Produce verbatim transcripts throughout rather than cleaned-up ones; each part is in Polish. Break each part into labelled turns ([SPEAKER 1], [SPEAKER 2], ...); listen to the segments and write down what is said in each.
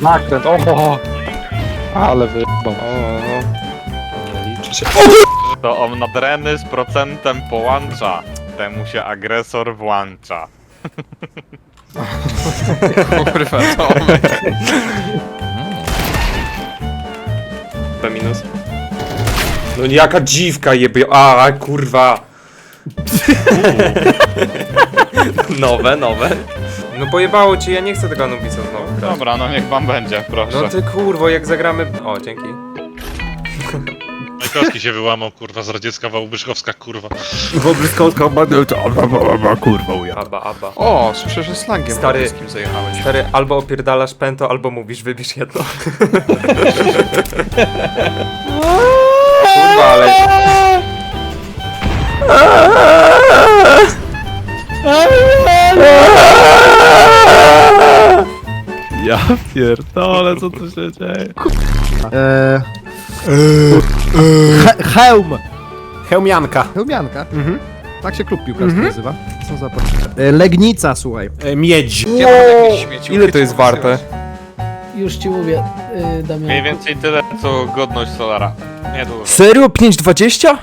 [SPEAKER 1] Nakręt, oho! Ale wyjebał.
[SPEAKER 2] Nie liczy się.
[SPEAKER 3] To on nadreny z procentem połącza. Temu się agresor włącza.
[SPEAKER 2] Kurwa, Tomek.
[SPEAKER 4] P minus. No jaka dziwka jebie... A, kurwa. Nowe, nowe. No pojebało cię, ja nie chcę tego Anubisa znowu grać.
[SPEAKER 3] Dobra, no niech wam będzie, proszę.
[SPEAKER 4] No ty kurwo, jak zagramy... O, dzięki.
[SPEAKER 5] Majkowski się wyłamał, kurwa, z radziecka Wałbrzyszkowska, kurwa.
[SPEAKER 6] Wobryskowska kurwa uja.
[SPEAKER 4] Aba, aba.
[SPEAKER 2] O, słyszę, że slangiem
[SPEAKER 4] Stary.
[SPEAKER 2] polskim zajechałeś.
[SPEAKER 4] Stary, albo opierdalasz pęto, albo mówisz, wybierz jedno. Kurwa, ale...
[SPEAKER 6] Ja pierdolę, co tu się dzieje?
[SPEAKER 7] Eee, he, hełm!
[SPEAKER 1] Hełmianka.
[SPEAKER 7] Hełmianka. Mhm. Tak się klub piłkarski nazywa. Co za po- e, Legnica, słuchaj.
[SPEAKER 1] E, miedź.
[SPEAKER 2] Ja mam jakieś śmieci.
[SPEAKER 4] Ile to jest warte?
[SPEAKER 8] Już ci mówię, yy, Damian.
[SPEAKER 3] Mniej więcej tyle, co godność Solara. Nie dużo.
[SPEAKER 4] Serio? pięć dwadzieścia?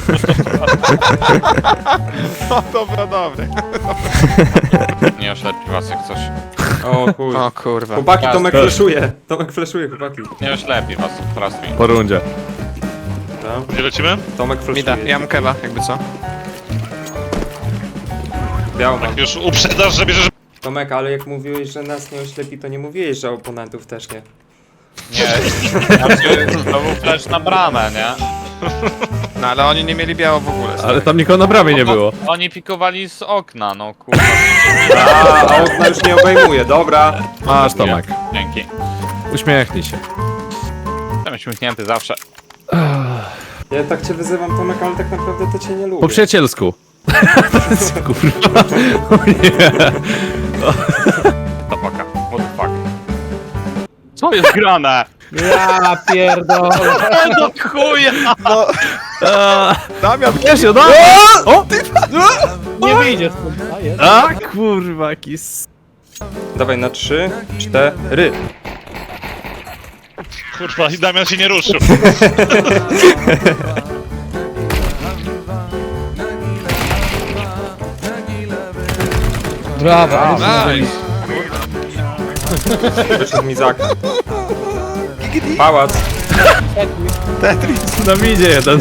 [SPEAKER 3] No dobra, dobra. Nie oślepi was jak coś.
[SPEAKER 4] O chuj.
[SPEAKER 2] O kurwa.
[SPEAKER 4] Chłopaki, Tomek
[SPEAKER 6] Też.
[SPEAKER 4] fleszuje. Tomek fleszuje, chłopaki.
[SPEAKER 3] Nie oślepi was, prostuj.
[SPEAKER 6] Po rundzie.
[SPEAKER 4] Dobra.
[SPEAKER 5] Gdzie lecimy?
[SPEAKER 4] Tomek
[SPEAKER 2] Mida,
[SPEAKER 4] fleszuje.
[SPEAKER 2] ja mam keba, jakby co.
[SPEAKER 4] Białą mam.
[SPEAKER 5] Tak już uprzedasz, że bierzesz...
[SPEAKER 4] Tomek, ale jak mówiłeś, że nas nie oślepi, to nie mówiłeś, że oponentów też nie.
[SPEAKER 3] Nie, znaczy, to był flash na bramę, nie?
[SPEAKER 2] No ale oni nie mieli biało w ogóle.
[SPEAKER 6] Ale tam nikogo na bramie nie było.
[SPEAKER 3] Oni pikowali z okna, no kurwa.
[SPEAKER 4] A, a okna już nie obejmuje, dobra.
[SPEAKER 6] Masz Tomek.
[SPEAKER 3] Dzięki.
[SPEAKER 6] Uśmiechnij się.
[SPEAKER 3] Jestem uśmiechnięty zawsze.
[SPEAKER 4] Ja tak cię wyzywam, Tomek, ale tak naprawdę to cię nie lubię.
[SPEAKER 6] Po przyjacielsku. Kurwa. O nie.
[SPEAKER 3] Tabaka. What the fuck? Co jest grane?
[SPEAKER 8] Ja pierdolę.
[SPEAKER 3] No chuja!
[SPEAKER 6] A, Damian, wiesz, no! O!
[SPEAKER 8] Nie wyjdzie stąd. A, jest.
[SPEAKER 6] A, kurwa, kis.
[SPEAKER 4] Dawaj na trzy, cztery.
[SPEAKER 5] Kurwa, i Damian się nie ruszył.
[SPEAKER 8] Brawo, ale
[SPEAKER 2] Nice.
[SPEAKER 4] Wyszedł mi za okna. Pałac.
[SPEAKER 6] Tetris na midzie jeden.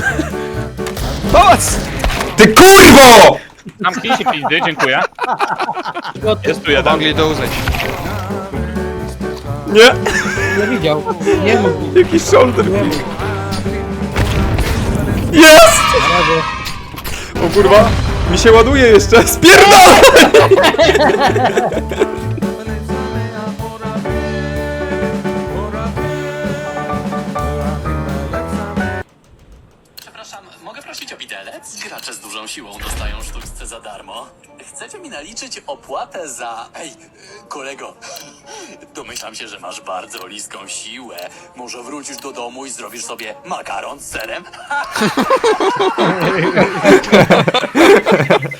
[SPEAKER 4] Ty kurwo!
[SPEAKER 3] Zamknij się pizdy, dziękuję. Jest tu jeden.
[SPEAKER 2] Mogli to uznać.
[SPEAKER 4] Nie!
[SPEAKER 8] nie widział. Nie mógł.
[SPEAKER 4] Jakiś shoulder kick. Jest! O kurwa, mi się ładuje jeszcze. Spierdolę!
[SPEAKER 9] Przepraszam, mogę prosić o widelec? Gracze z dużą siłą dostają sztuczce za darmo. Chcecie mi naliczyć opłatę za... Ej, y, kolego, domyślam się, że masz bardzo liską siłę. Może wrócisz do domu i zrobisz sobie makaron z serem?